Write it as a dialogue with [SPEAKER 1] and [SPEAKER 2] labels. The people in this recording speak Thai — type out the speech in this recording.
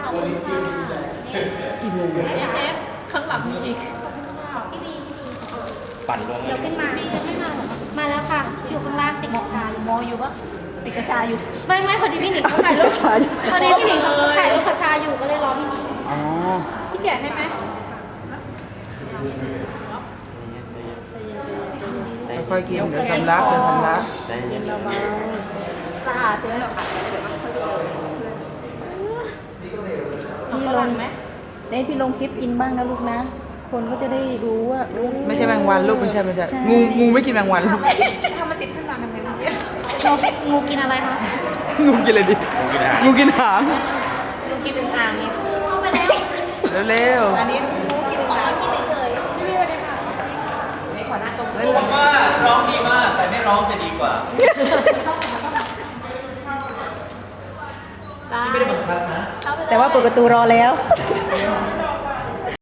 [SPEAKER 1] อบคุณค่ะ
[SPEAKER 2] กี่โมง
[SPEAKER 1] เอฟข้างหลังมีอีก
[SPEAKER 3] พี่บี
[SPEAKER 4] ปั่นลง
[SPEAKER 3] เดี๋ยวขึ้นมา
[SPEAKER 1] บียังไม่มาเหรอ
[SPEAKER 3] มาแล้วค่ะ อยู่ข้างล่างติดกระชาย
[SPEAKER 1] มออยู่ปะติดกระชาอยู่
[SPEAKER 3] ไม่พอดีพี่หนิงเขาถ่ายรูปพอดีพี่หนิงเขาถ่ายรูปกระชายอยู่ก็เลยรอพี่หนิง
[SPEAKER 2] อ๋อ
[SPEAKER 1] พี่แกะให้ไหม
[SPEAKER 2] ค่อยๆกินเดี๋ยวสำลักเดี๋ยวสำลัก
[SPEAKER 4] ใจเย็น
[SPEAKER 1] สะอาดใช่ไหมคะ
[SPEAKER 5] พี่ลงไหมพี่ลงคลิปอินบ้างนะลูกนะ คนก็จะได้รู้ว่าลูก
[SPEAKER 2] ไม่ใช่แมงวันลูกไม่ใช่งูไม่กินแมงวันลูก
[SPEAKER 1] ถ้ามันติดขึ้นมาทำไงดีเนี่ย
[SPEAKER 3] งูกินอะไรคะ
[SPEAKER 2] งูกินอะไรดิงูกินหาง
[SPEAKER 1] ลูกกินอึ่งอ่างเนี่ย
[SPEAKER 3] เข้าไปแล้ว
[SPEAKER 2] เร็ว
[SPEAKER 1] อันนี้ลูกกินอึ่งอ่าง
[SPEAKER 3] กินไม่เคย
[SPEAKER 1] พี่บีสวัสดีค่ะนี่ขอหน้าตรง
[SPEAKER 4] รู้ว่าร้องดีมากแต่ไม่ร้องจะดีกว่าที่ไม่ได้บังคับนะ
[SPEAKER 5] แต่ว่าเปิดประตูรอแล้ว
[SPEAKER 2] ๆ